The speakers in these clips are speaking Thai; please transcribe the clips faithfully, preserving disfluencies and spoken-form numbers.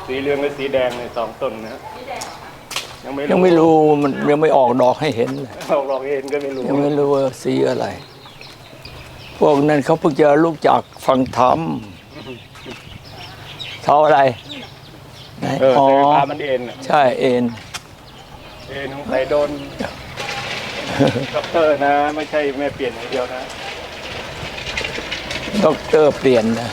สีเหลืองและสีแดงในสองต้นนะยังไม่ยังไม่รู้มันยังไม่ออกดอกให้เห็นเลยออกดอกเห็นก็ไม่รู้ยังไม่รู้ว่าสีอะไรพวกนั้นเขาเพิ่งจะลูกจากฟังธรรมเขาอะไรไหนอ๋อพามันเอ็นใช่เอ็นเอ็นของใครโดนด็อกเตอร์นะไม่ใช่แม่เปลี่ยนอย่างเดียวนะด็อกเตอร์เปลี่ยนนะ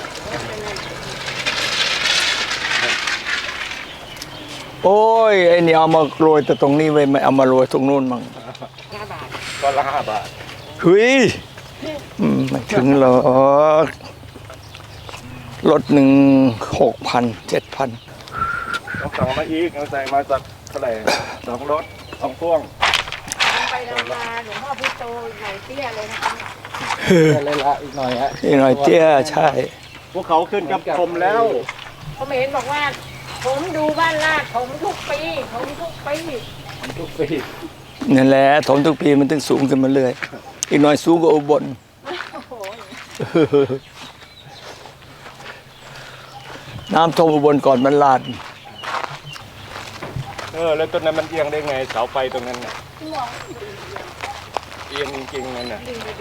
โอ้ยไอ้นี่เอามาโรยแต่ตรงนี้ไว้ไม่เอามาโรยตรงนู้นมั้งห้าบาทก็ละห้าบาทเฮ้ยไม่ถึงหรอกรถหนึ่งหกพันเจ็ดพันต้องสั่งมาอีกเอาใส่มาสักเท่าไหร่สองรถสองพ่วงไปรามาหลวงพ่อพุทโธหน่อยเตี้ยเลยนะคะเลยละอีกหน่อยฮะอีกหน่อยเตี้ยใช่พวกเขาขึ้นกับผมแล้วเขาเห็นบอกว่าผมดูบ้านลาดผมทุกปีผมทุกปีทุกปีนั่นแหละถมทุกปีมันต้องสูงขึ้นมาเรื่อยอีกหน่อยสูงกว่าอุบลน้ำท่วมอุบลก่อนมันลาดเออแล้วต้นนั้นมันเอียงได้ไงเสาไฟตรงนั้นน่ะเอียงจริงๆนั่นน่ะ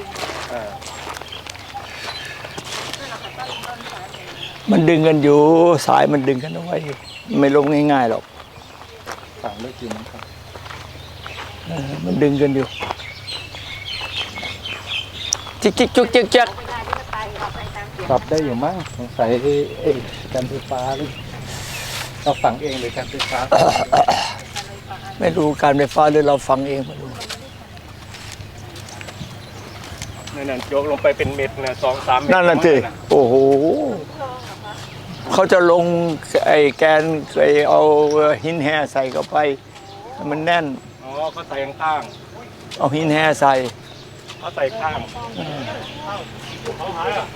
มันดึงกันอยู่สายมันดึงกันเอาไว้ไม่ลงง่ายๆหรอกต่างไม่กินครับมันดึงกันอยู่จิกจิกจุกจิกจักปรับได้อยู่มั้งสงสัยไอ้การไฟฟ้าหรือเราฝังเองหรือการไฟฟ้าไม่รู้การไฟฟ้าหรือเราฟังเองไม่รู้นั่นโยกลงไปเป็นเม็ดนะสองสามเม็ดนั่นน่ะสิโอ้โหเขาจะลงไอ้แกนไอ้เอาหินแห่ใส่เข้าไปมันแน่นอ๋อเขาใส่ข้างเอาหินแห่ใส่เขาใส่ข้างเขาหายอ่ะ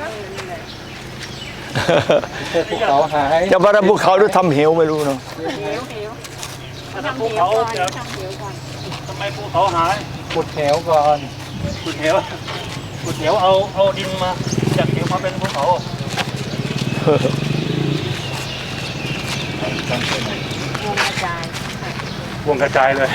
ภูเขาหายจะมาทำภูเขาหรือทำเหวไม่รู้เนาะทำภูเขาจะทำไมภูเขาหายขุดเหวก่อนขุดเหวขุดเหวเอาเอาดินมาจากเหวมาเป็นภูเขาวงกระจายวงกระจายเลย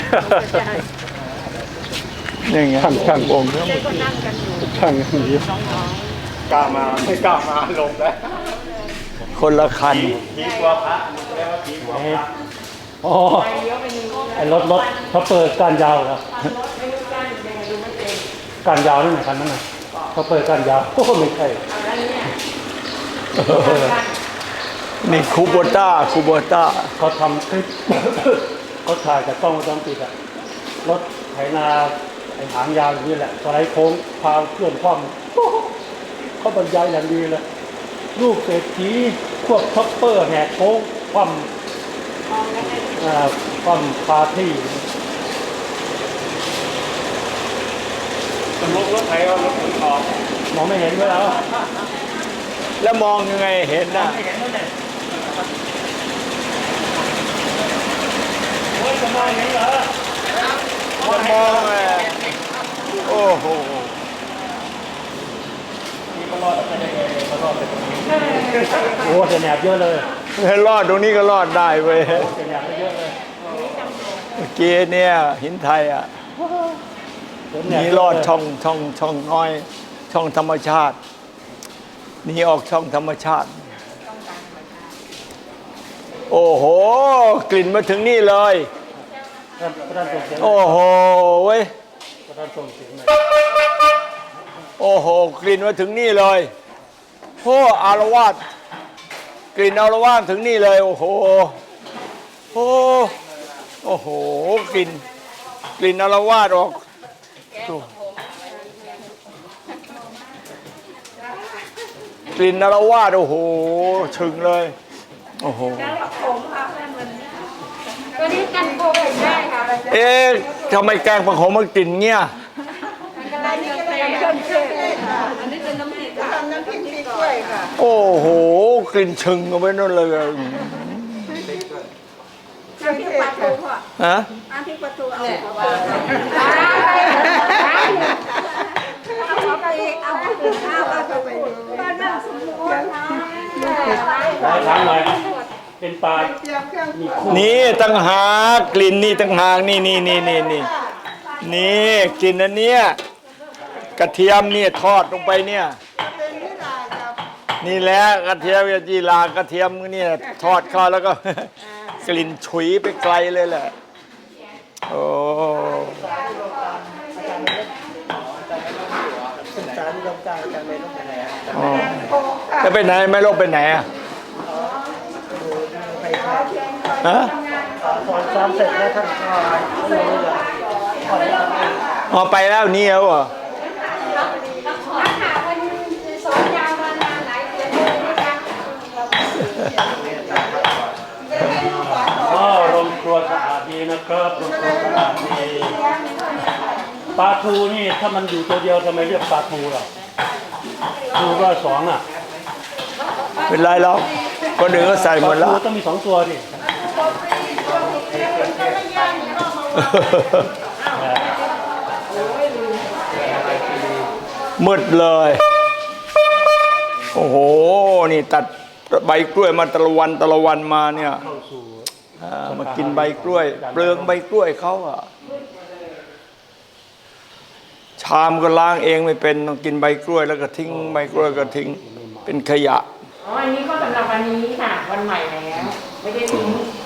นี่ไงช่างวงเนี่ยก็นั่งกันอยู่ช่างอย่างนี้กล้ามาไม่กล้ามาลงแล้วคนละคันผีกว่าพระแล้วผีกว่าพระอ๋อไอ้รถรถเขาเปิดการยาวครับการยาวนั่นไหนคันนั้นน่ะเขาเปิดการยาวโอ้ไม่ใช่นี่คูโบต้าคูโบต้าเขาทำคลิปเขาถ่ายจากกล้องวงจรปิดอะรถไถนาไอ้หางยาวอย่างนี้แหละสไลด์โค้งพาเคลื่อนคว่ำเขาบรรยายอย่างดีเลยลูกเศรษฐีพวกท็อปเปอร์แหกโค้งคว่ำคว่ำพาที่ตำรวจรถไถเอารถขนของมองไม่เห็นด้วยแล้วแล้วมองยังไงเห็นนะจะมองเห็นเหรอจะมองไงโอ้โหนี่ก็รอดไปได้ไงก็รอดไปตรงนี้โอ้จะแหนบเยอะเลยให้รอดตรงนี้ก็รอดได้เว้ยจะแหนบเยอะเลยเมื่อกี้เนี่ยหินไทยอ่ะนี่รอดช่องช่องช่องน้อยช่องธรรมชาตินี่ออกช่องธรรมชาติโอ้โหกลิ่นมาถึงนี่เลยโอ้โหเว้ยโอ้โหกลิ่นมาถึงนี่เลยโอ้อารวาสกลิ่นอารวาสถึงนี่เลยโอ้โหโอ้โอ้โหกลิ่นกลิ่นอารวาสออกกลิ่นนรวาดโอ้โหชึงเลยโอ้โหตัวนี้กันโควิดได้ค่ะเอ๊ะทำไมแกงผักขมมันกลิ่นเงี้ยอันนี้ก็เป็นเครื่องเทศอันนี้เป็นน้ำพริกค่ะน้ำพริกพริกกล้วยค่ะโอ้โหกลิ่นชึงเอาไว้นั่นเลยน้ำพริกปลาทูค่ะฮะน้ำพริกปลาทูเอาเอาไปเอาไปเอาไปไปบ้านนั่งสมุนไพรถามหน่อยเป็นปลาเตรียมเครื่องปรุงนี่ตั้งหากกลิ่นนี่ตั้งหากนี่นี่นี่นี่นี่นี่กลิ่นอันเนี้ยกระเทียมเนี่ยทอดลงไปเนี่ยเป็นนิรากับนี่แหละกระเทียมจีรากระเทียมเนี่ยทอดเข้าแล้วก็ กลิ่นฉุยไปไกลเลยแหละโอ้ศึกษานิยมการการเรียนรู้ไปไหนอ๋อโอ้ค่ะจะไปไหนไม่ลงไปไหนอ่ะไปครับฮะสอนซ้อมเสร็จแล้วท่านก็ไม่รู้เลยอ๋อไปแล้วนี่แล้วเหรออ๋อโรงครัวสะอาดดีนะครับโรงครัวสะอาดดีปลาทูนี่ถ้ามันอยู่ตัวเดียวทำไมเรียกปลาทูล่ะทูก็สองอ่ะเป็นไรแล้วคนอื่นก็ใส่หปมลาดแล้ทูวต้องมีสองตัวดิมืดเลย โอ้โห นี่ตัดใบกล้วยมาตะละวันตะละวันมาเนี่ยเข้าสู่อ่ามากินใบกล้วย เปลืองใบกล้วยเขาอ่ะ ชามก็ล้างเองไม่เป็นต้องกินใบกล้วย แล้วก็ทิ้งใบกล้วยก็ทิ้ง เป็นขยะอ๋อ อันนี้ก็สำหรับวันนี้ค่ะ วันใหม่แล้ว ไม่ได้ทิ้ง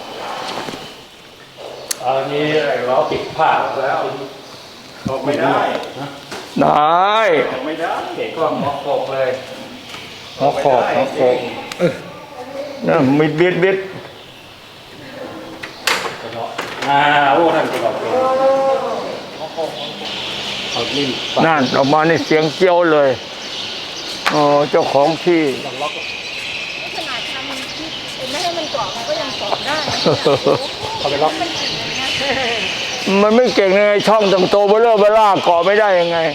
อันนี้เราปิดผ้าแล้วไม่ได้นะได้ไม่ได้ก็หมอกกเลยหอขอบหอขอบนะมิดบิดบิดอ่าโอ้ท่านจะบอกเลยเอาลิ้นปัดนั่นออกมาในเสียงเจียวเลยโอ้เจ้าของที่ขนาดทำที่ไม่ให้มันเกาะมันก็ยังเกาะได้เอาไปล็อกมันไม่เก่งยังไงช่องตังโตเบลเลอร์เบล่าเกาะไม่ได้ยังไง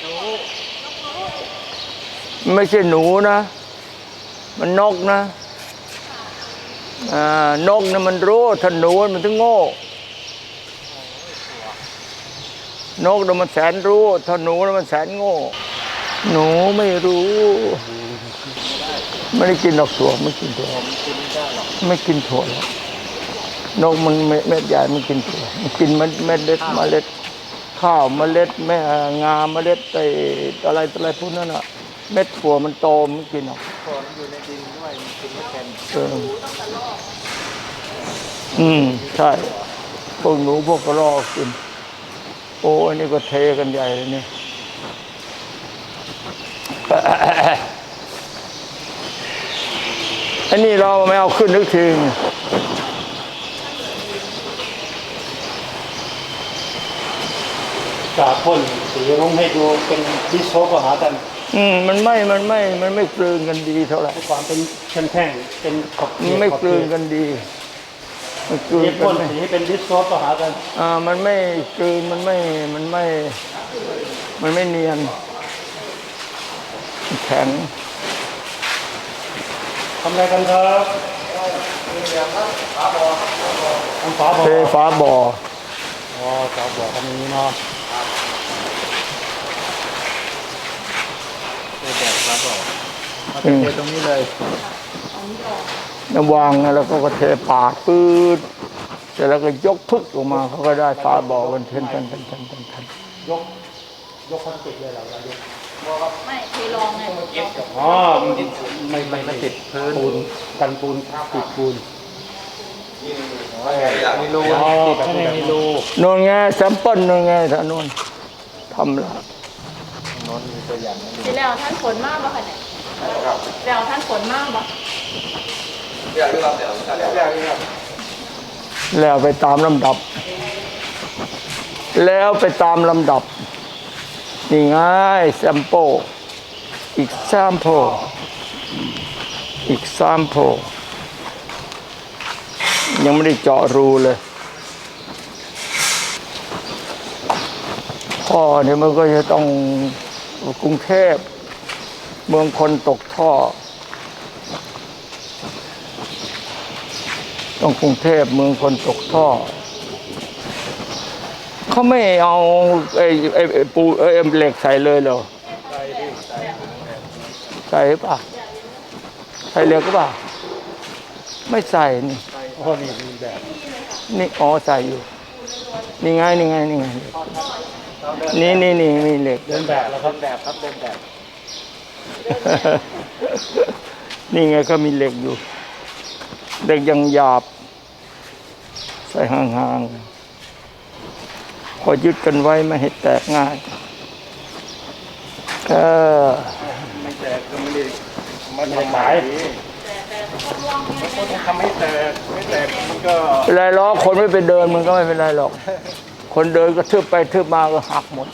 ไม่ใช่หนูนะ มันนกนะอ่านกนะมันรู้ถ้าหนูมันถึงโง่นกนะมันแสนรู้ถ้าหนูนะมันแสนโง่ หนูไม่รู้ ไม่ได้กินดอกถั่วไม่กินถั่วไม่กินถั่วหรอกนกมันเม็ดเม็ดใหญ่มันกินถั่วมันกินเม็ดเม็ดเล็ดเมล็ดข้าวเมล็ดแม่งาเมล็ดไอ้อะไรอะไรพวกนั้นอ่ะเม็ดถั่วมันโตมันกินหรอกฝนอยู่ในดินด้วยมันกินไม่เป็นเอออืมใช่พวกหนูพวกกระรอกกินโอ้อันนี้ก็เทกันใหญ่เลยเนี่ย อันนี้เราไม่เอาขึ้นนึกถึงกาพ่นสีลงให้ดูเป็นดิสโซก็หากันอืมมันไม่ มันไม่ มันไม่กลืนกันดีเท่าไหร่ความเป็นแท่งๆเป็นขอบมันไม่กลืนกันดีมันกลืนนี่กัพ่นนไม่สีให้เป็นดิสโซก็หากันอ่ามันไม่กลืนมันไม่ มันไม่ มันไม่เนียนแข็งทำอะไรกันครับทำฝาบ่อเทฟ้าบ่ออ๋อฝาบ่อทำอย่างนี้เนาะอืมเทตรงนี้เลยน้ำวางนะแล้วก็เทปาดปืดเสร็จแล้วก็ยกพึกออกมาเขาก็ได้ฟ้าบ่อกันเทนเทนเทนเทนเทนเทนยกยกพลาสติกเลยเหรอเรายกไม่เคยลองไงอ๋อไม่ไม่ไม่ติดพื้นปูนกันปูนติดปูนมีรูอ๋อข้างในมีรูโน่นไงแซมเปิลโน่นไงท่านโน่นทำละนนมีตัวอย่างทีแล้วท่านฝนมากป่ะคะเนี่ยแล้วท่านฝนมากป่ะแล้วไปตามลำดับ แล้วไปตามลำดับ นี่ไงแซมโปอีกแซมโปอีกแซมโปยังไม่ได้เจาะรูเลยท่อเนี่ยมันก็จะต้องกรุงเทพเมืองคนตกท่อ ต้องกรุงเทพเมืองคนตกท่อเขาไม่เอาไอ้ไอ้ไอ้ปูไอ้เหล็กใส่เลยเหรอใส่ป่ะใส่เหล็กก็ป่ะไม่ใส่นี่โอ้นี่มีแบบนี่อ๋อใส่อยู่ นี่ไงนี่ไงนี่ไงนี่นี่นี่มีเหล็กเดินแบบแล้วครับแบบครับเดินแบบนี่ไงก็มีเหล็กอยู่เหล็กยังหยาบ ใส่ห่างๆพอยึดกันไว้ไม่ให้แตกง่ายเออไม่แตกก็ไม่ได้มันไม่ขายคนทำให้แตกไม่แตกมันก็เป็นไรหรอกคนไม่ไปเดินมันก็ไม่เป็นไรหรอก คนเดินก็ทึบไปทึบมาก็หักหมด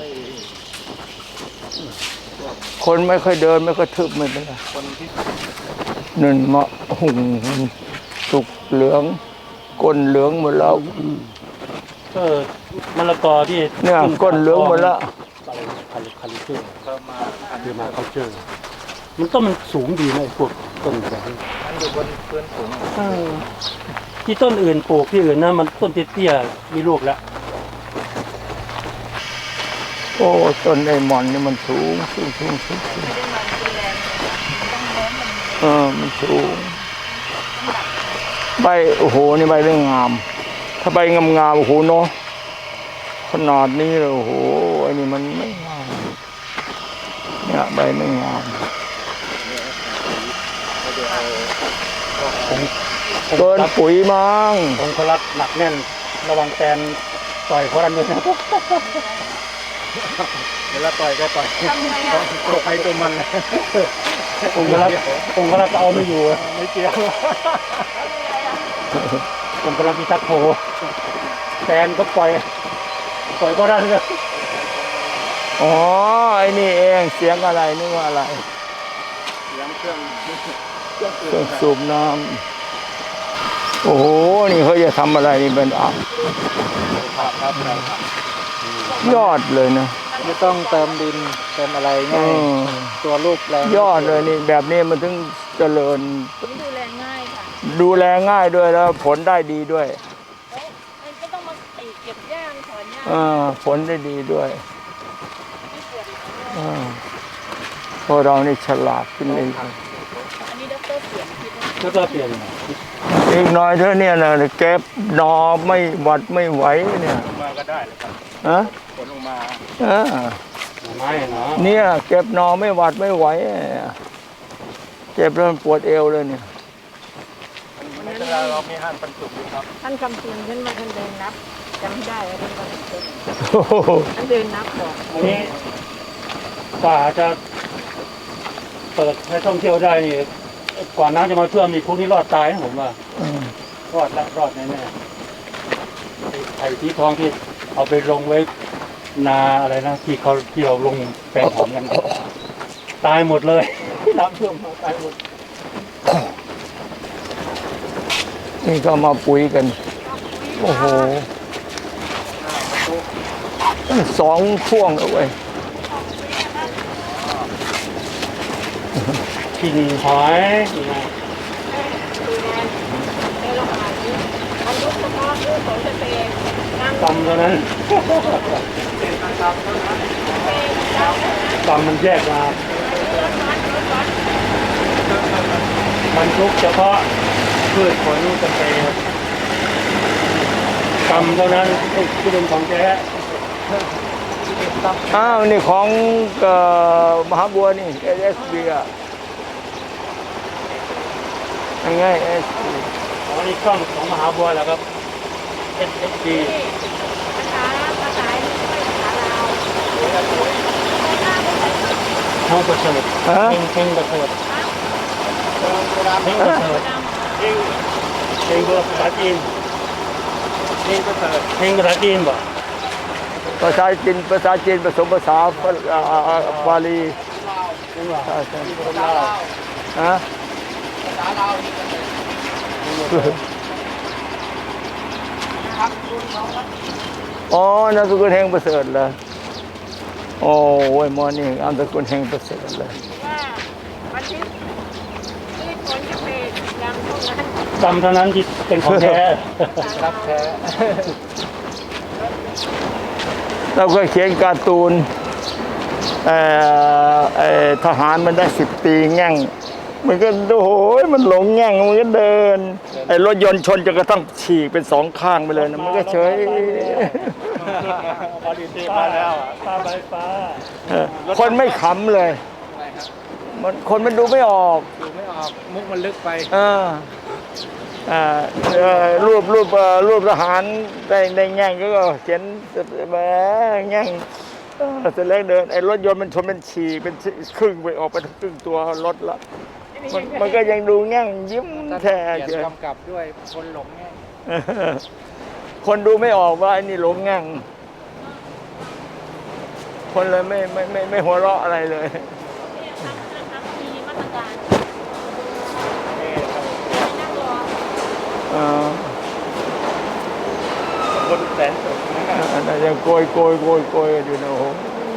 คนไม่ค่อยเดินไม่ค่อยทึบไม่เป็นไรนั่นมะหุ่งสุกเหลืองก้นเหลืองหมดแล้วเออมะละกอที่เนี่ยก้นเหลืองหมดแล้วอะไรคันคันเชื่อคือมาเขาเชื่อมันต้นมันสูงดีนะไอ้พวกต้นแบบนี้มันอยู่บนพื้นสูงเออที่ต้นอื่นปลูกที่อื่นนะมันต้นเตี้ยๆมีลูกแล้วโอ้ต้นไอ้หมอนนี่มันสูงสูงสูงสูงสูงเออมันสูงใบโอ้โหนี่ใบเรื่องงาม ถ้าใบงามงามๆโอ้โหเนาะขนาดนี้เลยโอ้โหไอ้นี่มันไม่งามเนี่ยใบไม่งามเกินปุ๋ยมั้งองคลักษ์หนักแน่นระวังแตนต่อยเพราะนั้นด้วยนะเวลาต่อยก็ต่อยตัวใครตัวมันองคลักษ์องคลักษ์เอาไม่อยู่ไม่เกี่ยวองคลักษ์พิทักษ์โผแตนก็ปล่อยปล่อยเพราะนั้นเลยอ๋อไอ้นี่เองเสียงอะไรนึกว่าอะไรเสียงเครื่องเครื่องสูบน้ำโอ้โหนี่เขาจะทำอะไรนี่เป็นอ่ะครับครับยอดเลยนะไม่ต้องเติมดินเติมอะไรเอง่ายอตัวลูกแรงยอดเลยนี่แบบนี้มันถึงเจริญดูแลง่ายค่ะดูแลง่ายด้วยแล้วผลได้ดีด้วยมันก็ต้องมาตีเก็บย่างถอนย่างอ่าผลได้ดีด้วยอ่าพวกเรานี่ฉลาดขึ้นเลยอันนี้ดรเสียงคิดว่าแล้วก็เปลี่ยนอีกหน่อยเท่านี้นะเก็บหนอไม่หวัดไม่ไหวเนี่ยมาก็ได้เลยครับฮะผลออกมาอ่าไม้เนาะเนี่ยเก็บหนอไม่หวัดไม่ไหวเนี่ยเจ็บแล้วมันปวดเอวเลยเนี่ยในเวลาเรามีห้านปันสุกอยู่ครับท่านคำเตือนท่านมาท่านเดินนับจำไม่ได้ว่าท่านคำเตือนโอ้โหท่านเดินนับบอกอันนี้กว่าจะเปิดให้ท่องเที่ยวได้นี่กว่าน้ำจะมาท่วมนี่พวกนี้รอดตายนะผมว่าอืมรอดละรอดแน่ๆไอ้ไอ้ที่ทองที่เอาไปลงไว้นาอะไรนะที่เขาที่เราลงแปลงหอมกัน ตายหมดเลยน้ำท่วมมาตายหมดนี่ก็มาปุ๋ยกัน โอ้โหสองช่วงแล้วเว้ยกินหอยนี่นะดูแลในโรงงานนี้มันยุบเฉพาะเรื่องของสเปรย์น้ำกำเท่านั้นกำมันแยกมามันทุกเฉพาะพืชผลสเปรย์กำเท่านั้นที่เป็นของแท้อ้าวนี่ของเอ่อมหาบัวนี่ เอส เอส บี อ่ะยังไง เอส บีอ๋อนี่กล้องของมหาบัวแล้วครับ เอส เอส ดีภาษาภาษาไม่ใช่ภาษาลาวห้องประเสริฐฮะเฮงเฮงประเสริฐเฮงประเสริฐเฮงเฮงภาษาจีนเฮงประเสริฐเฮงภาษาจีนบ่ภาษาจีนภาษาจีนผสมภาษาอ่าอ่าบาลีเฮงว่าใช่ใช่ที่คนลาวฮะอ๋อนามสกุลแห่งประเสริฐเหรอโอ้ยมอนี่นามสกุลแห่งประเสริฐเลยว่าวันที่ที่ผลจะเป็นยางเท่านั้นกำเท่านั้นที่เป็นของแท้รับแท้เราก็เขียนการ์ตูนเอ่อเอ่อทหารมันได้สิบปีแง่งมันก็โอ้โหมันหลงแง่งมันก็เดินไอ้รถยนต์ชนจนกระทั่งฉีกเป็นสองข้างไปเลยนะมันก็เฉยพอดีมาแล้วฟ้าใบฟ้าเออคนไม่ขำเลยมันคนมันดูไม่ออกดูไม่ออกมุกมันลึกไปอ่าอ่าเอ่อรูปรูปเอ่อรูปทหารได้ได้แง่งก็เขียนแหมแง่งเออเสร็จแล้วเดินไอ้รถยนต์มันชนเป็นฉีกเป็นครึ่งไปออกไปครึ่งตัวรถละมันมันก็ยังดูแง่งยิ้มแท้เขีเฉยนยกำกับด้วยคนหลงแง่คนดูไม่ออกว่าไอ้นี่หลงแง่งคนเลยไม่ไม่ไม่ไม่หัวเราะอะไรเลยมีมาตรการนั่งรอเออคนแสนสุขนะอันนั้นยังโกยโกยโกยโกยกันอยู่นะโอ้โห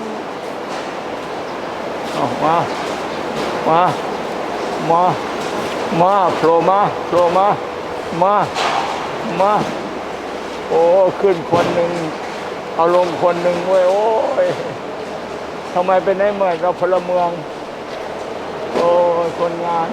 เอามา มา มา มาโผล่มาโผล่มา มา มา โอ้ขึ้นคนหนึ่งเอาลงคนหนึ่งเว้ยโอ้ยทำไมเป็นได้เหมือนเราพลเมือง โอ้ยคนงาน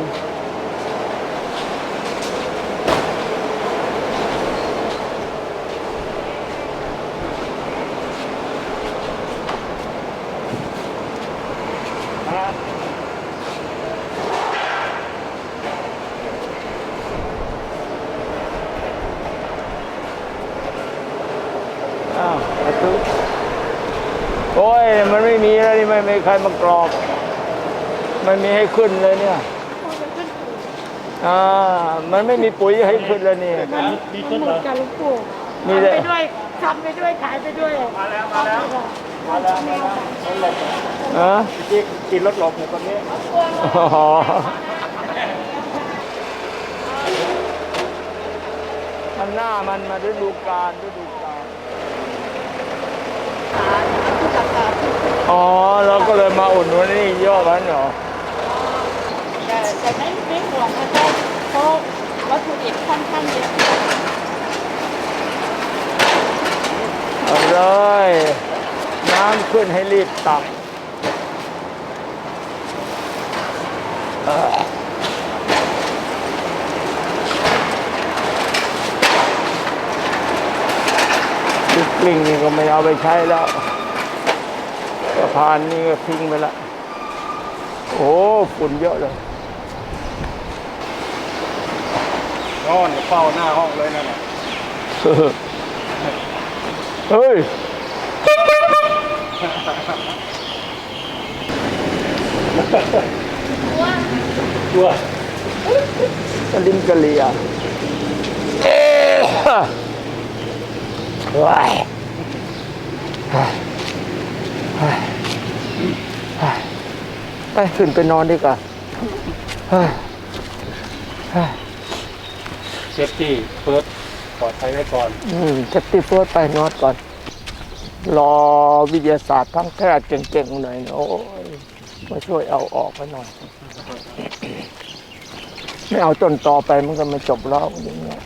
อ้าวสาธุโอ้ยมันไม่มีแล้วนี่ไม่มีใครมากรอกมันมีให้ขึ้นเลยเนี่ยอ่ามันไม่มีปุ๋ยให้ขึ้นเลยนี่มีขึ้นเหรอการลูกปู่มีทำแต่ไปด้วยทำไปด้วยขายไปด้วยมาแล้วมาแล้วมาแล้วมาแล้วรถหลบฮะที่กินรถหลบอยู่ตรงนี้อ๋อมันหน้ามันมาฤดูกาลฤดูกาลอ๋อเราก็เลยมาอุดหนุนนี่ย่อมันเหรอแต่แต่ไม่ไม่ห่วงนะเจ้าเพราะวัตถุดิบค่อนข้างเยอะเอาเลยน้ำขึ้นให้รีบตักเออลูกกลิ้งนี่ก็ไม่เอาไปใช้แล้วสะพานนี่ก็ทิ้งไปละโอ้ฝุ่นเยอะเลยนอนเฝ้าหน้าห้องเลยนั่นแหละเฮ้ยตัวกระลิมกระเลียเอ๊ะว้ายไปขึ้นไปนอนดีกว่าเฮ้ยเซฟตี้เฟิร์สปลอดภัยไว้ก่อนอืมเซฟตี้เฟิร์สไปนอนก่อน รอวิทยาศาสตร์ทั้งแพทย์เก่งๆหน่อยนะโอ้ยมาช่วยเอาออกไปหน่อย ไม่เอาต้นต่อไปมันก็ไม่จบแล้วอย่างเงี้ย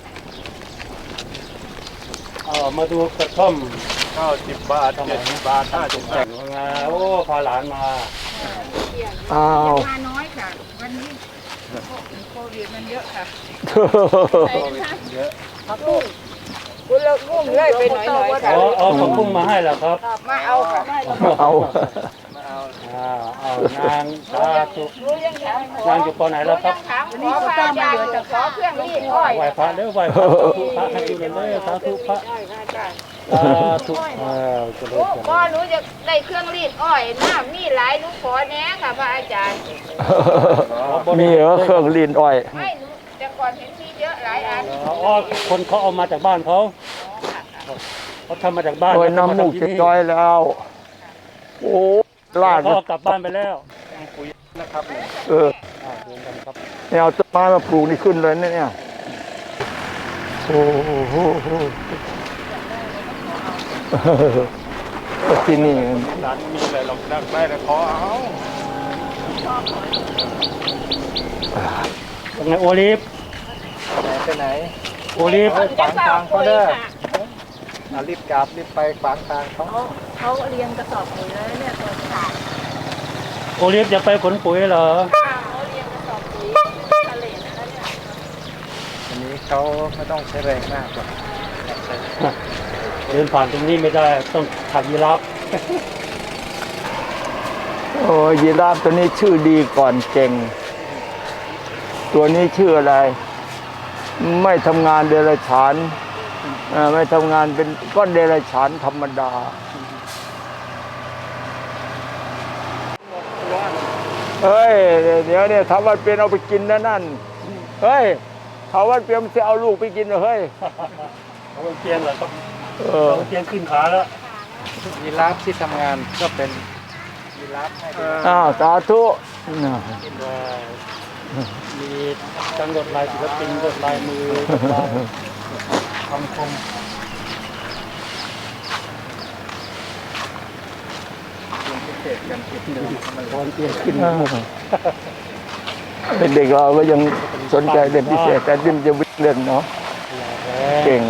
เออมาดูกระท่อมเก้าสิบบาทเจ็ดสิบบาทห้าสิบแต่งมาโอ้พาหลานมาอ้าวมาน้อยค่ะ วันนี้โควิดมันเยอะค่ะเยอะคุณเลิกงุ่มเลยไปหน่อยหน่อยค่ะอ๋อเอาผักบุ้งมาให้แล้วครับมาเอาค่ะเอาอ่าเอานางสาธุรู้ยังถามขอนางอยู่ปอไหนแล้วครับถามขอพระอาจารย์จะขอเครื่องรีดอ้อยไหว้พระเด้อไหว้พระสาธุพระให้ดูเลยสาธุพระสาธุเออเจะเลิญพ่อหนูจะได้เครื่องรีดอ้อยน้ำมีหลายหนูขอแน่ค่ะพระอาจารย์มีเหรอเครื่องลีนอ้อยไม่หนูแต่ก่อนเห็นมีเยอะหลายอันอ๋อคนเขาเอามาจากบ้านเขาเขาทำมาจากบ้านโอ้ยแล้วน้ำมูกทำจะที่ย้อยแล้ว โอ้ลาดเขาเอากลับบ้านไปแล้วเอออ่าเดินกันครับเนี่ยเอาต้นไม้มาปลูกนี่ขึ้นเลยนะเนี่ยโอ้โหที่นี่ร้านมีอะไรลองได้ได้แต่ขอเอาเป็นไงโอลิฟไปไหนโอลิฟขวางทางเขาเด้ออ่ะรีบกลับรีบไปขวางทางเขาเขาเรียงกระสอบปุ๋ยแล้วเนี่ยตัวขาดโอลิฟจะไปขนปุ๋ยเหรอเขาเรียงกระสอบเขาไม่ต้องใช้แรงมากหรอกใช้เดินผ่านตรงนี้ไม่ได้ต้องถ่ายยีราฟโอ้ยีราฟตัวนี้ชื่อดีก่อนเก่ง ตัวนี้ชื่ออะไร ไม่ทำงานเดรัจฉานเอ่อไม่ทำงานเป็นก้อนเดรัจฉานธรรมดา เฮ้ย เดี๋ยวเนี่ยถาวันเปลี่ยนเอาไปกินนะนั่น เฮ้ยถาวันเปลี่ยนมันจะเอาลูกไปกินเหรอเฮ้ยเขาเตียงเหรอครับเออเขาเตียงขึ้นขาแล้วยีราฟที่ทำงานก็เป็นยีราฟให้ดูอ้าวสาธุน่ะว่ามีจังหวัดลายศิลปินกดลายมือกดลายคำคมพิเศษกันพิเศษมันตอนเตียงขึ้นอ้าวเด็กๆเราก็ยังสนใจเล่นพิเศษ แต่ดิ้นจะวิ่งเล่นเนาะเก่ง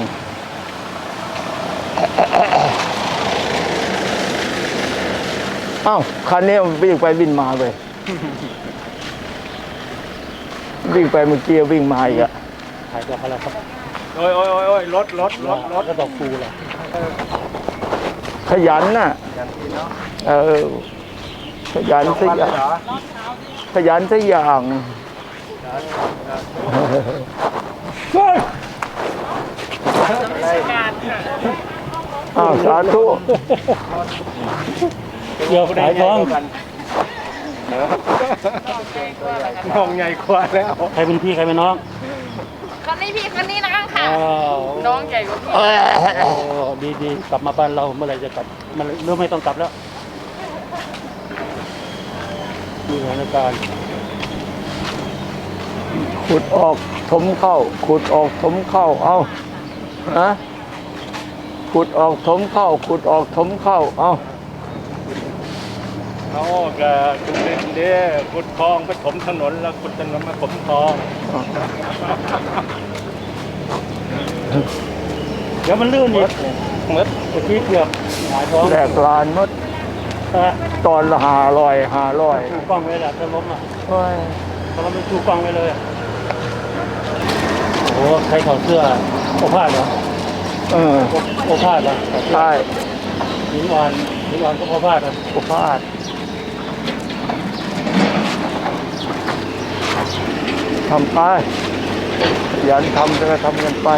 อ้าวคันนี้มันวิ่งไปวิ่งมาเลยวิ่งไปเมื่อกี้วิ่งมาอีกอะถ่ายดอกอะไรครับโอ้ยโอ้ยโอ้ยโอ้ยรถรถรถรถก็ดอกฟูแหละขยันน่ะอย่างที่เนาะเออขยันสักอย่างเหรอขยันสักอย่างเฮ้ยการค่ะอ้าวสาธุเกี่ยวสายท้องมองใหญ่กว่าแล้วใครเป็นพี่ใครเป็นน้องคนนี้พี่คนนี้น้องค่ะอ้าวน้องใหญ่กว่าพี่โอ้ดีดีกลับมาบ้านเราเมื่อไหรจะกลับมันเริ่มไม่ต้องกลับแล้วมีสถานการณ์ขุดออกถมเข้า ขุดออกถมเข้า เอาฮะขุดออกถมเข้า ขุดออกถมเข้า เอาเขาก็จุดเด่นเด้ขุดคลองไปถมถนนแล้วขุดถนนมาถมคลองเดี๋ยวมันลื่นอีกเมื่อเมื่อกี้เกือบหงายท้องแหลกลานหมดฮะตอนละหาลอยหาลอยชูกล้องไว้แหละถ้าล้มอ่ะโอ้ยถ้าเราไม่ชูกล้องไว้เลยอะโอ้โหใครถอดเสื้อโอภาสเหรอเออโอโอภาสเหรอใช่หินวานหินวานก็โอภาสนะอุพาททำไปขยันทำจะทำกันไป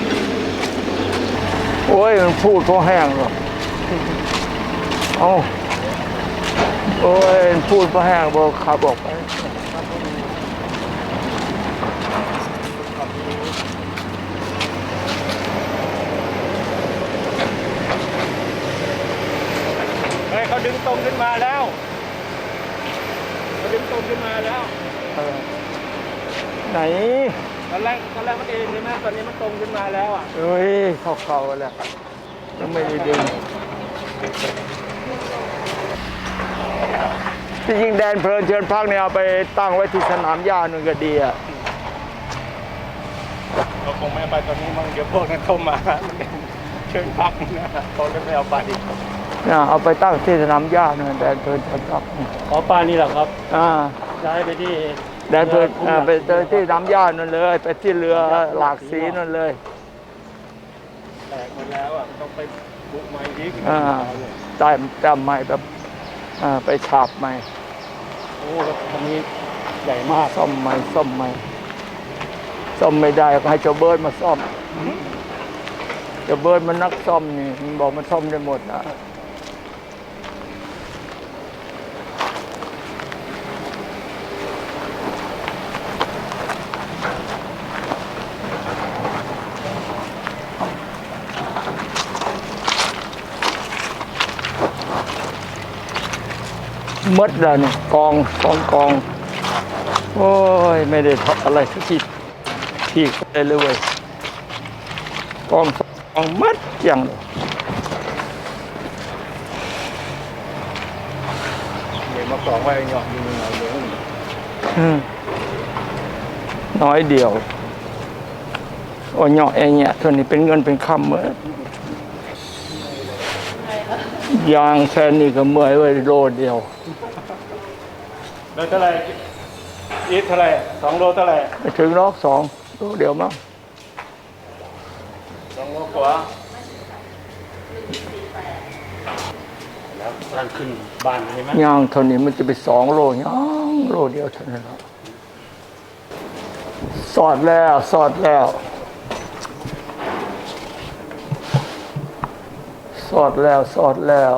โอ้ย มันพูดเพราะแห้งหรอกเอาโอ้ยมันพูดเพราะแห้งบอกขับออกไปเฮ้ยเขาดึงตรงขึ้นมาแล้วเขาดึงตรงขึ้นมาแล้วเออไหนตอนแรกตอนแรกมันเองใช่ไหมตอนนี้มันตรงขึ้นมาแล้วอ่ะเอ้ยเข้าเข่าแล้วยังไม่ได้ดึงที่จริงแดนเพลินเชิญพักเนี่ยเอาไปตั้งไว้ที่สนามหญ้านึงก็ดีอ่ะเราคงไม่เอาไปตอนนี้มั้งเดี๋ยวพวกนั้นเข้ามาเชิญพักนะเขาเลยไม่เอาไปนะเอาไปตั้งที่สนามหญ้านึงแดนเพลินเชิญพักอ๋อป้านี่แหละครับอ่าย้ายไปที่แดนเพลินอ่าไปเจอที่สนามหญ้านั่นเลย ไปที่เรือหลากสีนั่นเลยแตกหมดแล้วอ่ะต้องไปบุกใหม่อีกอ่าแต้มแต้มใหม่แบบอ่าไปฉาบใหม่โอ้แล้วคันนี้ใหญ่มากซ่อมใหม่ซ่อมใหม่ซ่อมไม่ได้ก็ให้เจ้าเบิร์ดมาซ่อมเจ้าเบิร์ดมันนักซ่อมนี่มันบอกมันซ่อมได้หมดนะมดแล้วนี่กองกองกองโอ้ยไม่ได้ทำอะไรสักทีทีกไปเลยเว้ยกองกองมัดอย่างเลยเดี๋ยวมาสองไว้หยอกอยู่หน่อยเดี๋ยวอืมน้อยเดียวโอ้ยเหาะไอ้เนี่ยส่วนนี้เป็นเงินเป็นคำเหมือนยางแค่นี้ก็เมื่อยไว้โลเดียวแล้วเท่าไหร่อีทเท่าไหร่สองโลเท่าไหร่ไปถึงรอบสองโลเดียวมั้งสองโลกว่าแล้วตอนขึ้นบ้านใช่ไหมย่างเท่านี้มันจะไปสองโลย่างโลเดียวเท่านั้นแหละสอดแล้วสอดแล้วสอดแล้วสอดแล้ว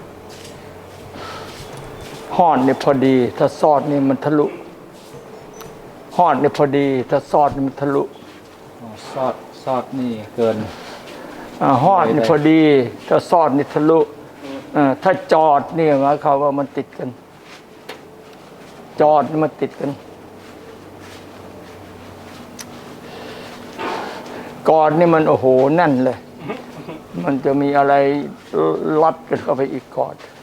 ห่อนนี่พอดี ถ้าสอดนี่มันทะลุห่อนนี่พอดี ถ้าสอดนี่มันทะลุซอดซอดนี่เกินอ่าห่อนนี่พอดี ถ้าสอดนี่ทะลุอ่าถ้าจอดนี่หมายความว่ามันติดกัน จอดนี่มันติดกันก่อนนี่มันโอ้โหแน่นเลย มันจะมีอะไรลัดกันเข้าไปอีกก่อน